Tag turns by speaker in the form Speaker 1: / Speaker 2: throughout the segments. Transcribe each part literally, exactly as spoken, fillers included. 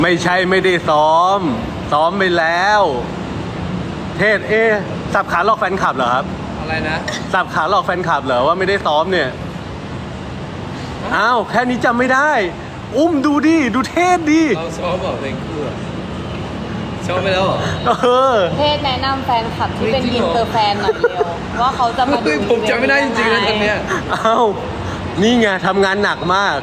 Speaker 1: ไม่ใช่ไม่ได้ซ้อม ซ้อมไปแล้ว เทศเอ๊ะสับขาหลอกแฟนคลับเหรอครับ
Speaker 2: อะไรนะ
Speaker 1: สับขาหลอกแฟนคลับเหรอว่าไม่ได้ซ้อมเนี่ย อ้าวแค่นี้จำไม่ได้ อุ้มดูดิ ดูเทศดิ
Speaker 2: เราซ้อมบอกเพลงคู่อะซ้อมไปแล้วเหรอ
Speaker 1: เออ
Speaker 3: เทศแนะนำแฟนคลับที่เป็น
Speaker 2: จริง
Speaker 3: อิ
Speaker 2: เหร
Speaker 3: น
Speaker 2: อ
Speaker 3: เตอร์แฟนหน่อยเร็วว่าเขาจะมาดู
Speaker 2: เฮ้ยผมจำไม่ได้จริงๆนะตอนเนี้ย
Speaker 1: อ้าวนี่ไงทำงานหนักมาก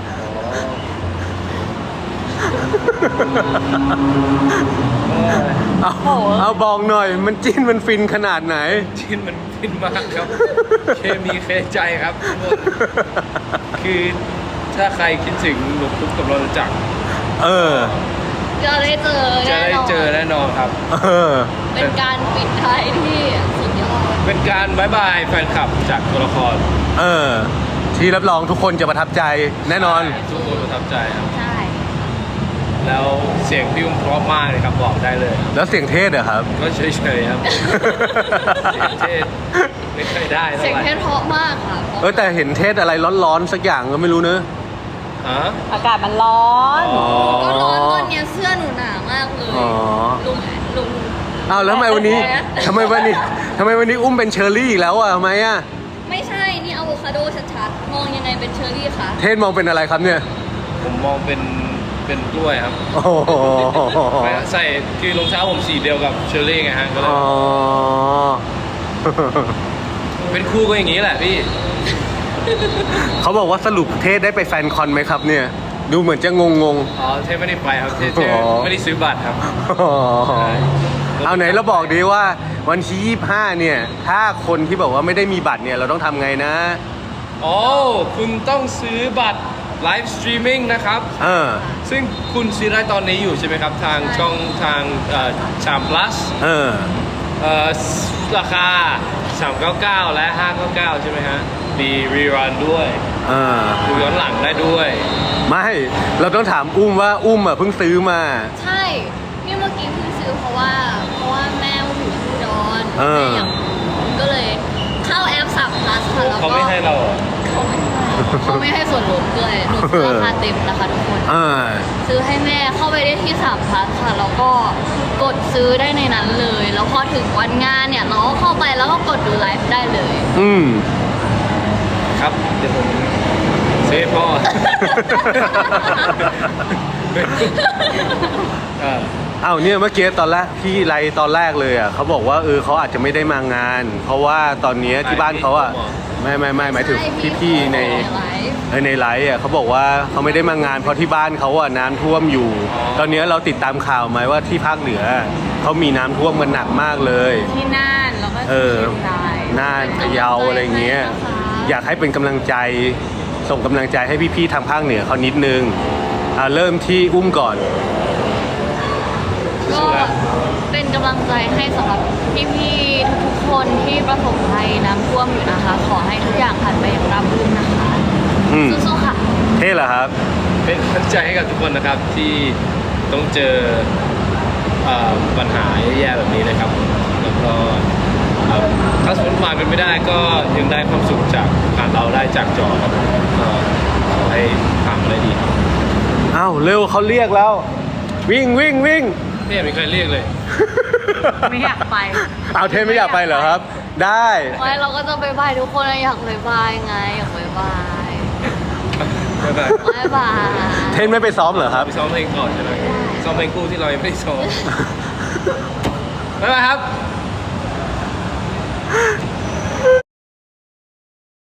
Speaker 1: เอาเอาบอกหน่อย มันจิ้นมันฟินขนาดไหน
Speaker 2: ชินมันฟินมากครับ เคมีเคใจครับทุกคนคือถ้าใครคิดถึงหนุ่มปุ๊กกับเราจักร
Speaker 1: เออ
Speaker 3: จะได้เจอ
Speaker 2: จะ
Speaker 3: แน่
Speaker 2: ได้
Speaker 3: นอน
Speaker 2: เจอแน่นอนครับ
Speaker 1: เออ
Speaker 3: เป็นการปิดท้ายที่สุดยอด
Speaker 2: เป็นการบายบายแฟนคลับจากตัวละคร
Speaker 1: เออ ที่รับรองทุกคนจะประทับใจแน่นอน
Speaker 2: ทุกคนประทับใจครับ
Speaker 3: ใช่
Speaker 2: แล้วเสียงพี่อุ้มเพราะมากเลยครับบอกได้เลย
Speaker 1: แล้วเสียงเทศเหรอครับ
Speaker 2: ก็เฉยๆครับ เสียงเทศไม่เคยได้เท่า
Speaker 3: เสียง
Speaker 2: ไหร่
Speaker 3: เทศเพราะมากค่ะ
Speaker 1: เออแต่เห็นเทศอะไรร้อนๆสักอย่างก็ไม่รู้เนอะ
Speaker 2: ฮะ
Speaker 3: อากาศมันร้อน
Speaker 2: อ๋อ
Speaker 3: ก็ร้อนตอนเนี้ยเสื้อหนูหนามากเลย
Speaker 1: อ๋อ
Speaker 3: ลุงลุง
Speaker 1: อ้าวแล้วทำไมวันนี้ทำไมวันนี้ทำไมวันนี้อุ้มเป็นเชอร์รี่อีกแล้วอ่ะทำไมอ่ะ
Speaker 3: ไม่ใช่ นี่อะโวคาโดชัดๆ มองยังไงเป็นเชอร์รี่คะ
Speaker 1: เทศมองเป็นอะไรครับเนี่ย
Speaker 2: ผมมองเป็นเป็นกล้วยครับ
Speaker 1: โอ้โห
Speaker 2: ใส่คือรองเท้าผมสีเดียวกับเชอร์รี่ไงฮะก็เลย
Speaker 1: อ๋อ
Speaker 2: เป็นคู่ก็อย่างนี้แหละพี่
Speaker 1: เขาบอกว่าสรุปเทศได้ไปแฟนคอนไหมครับเนี่ย ดูเหมือนจะงงง
Speaker 2: อ๋อเทพไม่ได้ไปครับเทพเทพ
Speaker 1: อ๋อ
Speaker 2: ไม่ได้ซื้อบัตรครับ
Speaker 1: ๆอ๋อเอาไหนเราบอกดีว่าวันที่ยี่สิบห้าเนี่ย ถ้าคนที่บอกว่าไม่ได้มีบัตรเนี่ยเราต้องทำไงนะ
Speaker 2: อ๋อคุณต้องซื้อบัตรไลฟ์สตรีมมิ่งนะครับ
Speaker 1: เออ
Speaker 2: ซึ่งคุณซื้อได้ตอนนี้อยู่ใช่ไหมครับ ทางช่องทางสาม plus
Speaker 1: เออ
Speaker 2: เอ่อราคาสามเก้าเก้าและห้าเก้าเก้าใช่ไหมฮะมีรีรันด้วย
Speaker 1: เออ
Speaker 2: ดูย้อนหลังได้ด้วย
Speaker 1: ไม่ เราต้องถามอุ้มว่าอุ้มอ่ะเพิ่งซื้อมา
Speaker 3: ใช่ นี่เมื่อกี้เพิ่งซื้อเพราะว่า เพราะว่าแม่อยู่ที่อุดร
Speaker 1: เออ
Speaker 3: แม่อยากก็เลยเข้าแอปสับพลัสค่ะแล้วก็
Speaker 2: เขาไม่ให้เราเหรอ
Speaker 3: เขาไม่ให้เขาไม่ให้ส่วนลดด้วยหนูซื้อราคาเต็มนะคะทุกคน
Speaker 1: อ่า
Speaker 3: ซื้อให้แม่เข้าไปได้ที่สามพลัสค่ะ แล้วก็กดซื้อได้ในนั้นเลย แล้วพอถึงวันงานเนี่ยเราก็เข้าไปแล้วก็กดดูไลฟ์ได้เลย
Speaker 1: อืม
Speaker 2: ครับ เดี๋ยวผมซื้อให้พ่อ เออ
Speaker 1: เอาเนี่ยเมื่อกี้ตอนแรกพี่ไลฟ์ตอนแรกเลยอ่ะเขาบอกว่าเออเขาอาจจะไม่ได้มางาน เพราะว่าตอนเนี้ยที่บ้านเขาอ่ะไม่ไม่ไม่หมายถึง
Speaker 3: ใช่
Speaker 1: พี่ๆใน
Speaker 3: ไลฟ์
Speaker 1: เออในไลฟ์อ่ะเขาบอกว่าเขาไม่ได้มางานเพราะที่บ้านเขาอ่ะน้ำท่วมอยู่ ตอนเนี้ยเราติดตามข่าวไหมว่าที่ภาคเหนือเขามีน้ำท่วมกันหนักมากเลย
Speaker 3: ที่น่านแล้วก็
Speaker 1: เอ
Speaker 3: ที่
Speaker 1: อ
Speaker 3: เชียงราย
Speaker 1: น่านพะเยาอะไรเงี้ย อยากให้เป็นกำลังใจ ส่งกำลังใจให้พี่ๆทางภาคเหนือเขานิดนึงอ่าเริ่มที่อุ้มก่อน
Speaker 3: ก็เป็นกำลังใจให้สำหรับพี่ๆทุกๆคนที่ประสบภัยน้ำท่วมอยู่นะคะ ขอให้ทุกอย่างผ่านไปอย่างราบรื่นนะคะ
Speaker 1: อืม
Speaker 3: สู้ๆค่ะ
Speaker 1: เท่เหรอครับ
Speaker 2: เป็นกำลังใจให้กับทุกคนนะครับที่ต้องเจอเอ่อปัญหาแย่ๆแบบนี้นะครับ แล้วก็เอ่อถ้าสมมติผ่านเป็นไม่ได้ก็ยังได้ความสุขจากผ่านเราได้จากจอครับก็ขอให้ผ่านมาได้ดีครับ
Speaker 1: อ้าวเร็วเขาเรียกแล้ว วิ่งวิ่งวิ่ง
Speaker 2: ไม่เห็นมีใครเรียกเลย
Speaker 3: ไม่อยากไป
Speaker 1: เอาเทนไม่อยากไปเหรอครับ ได้
Speaker 3: ไม่เราก็จะไปบายทุกคนอยากไปบายไงอยากไปบาย
Speaker 2: บ๊ายบาย
Speaker 3: บายบาย
Speaker 1: เทนไม่ไปซ้อมเหรอครับ
Speaker 2: ไปซ้อมเพลงก่อนใช่ไหมซ้อมเพลงคู่ที่เรายังไม่ได้ซ้อมบ๊ายบายครับ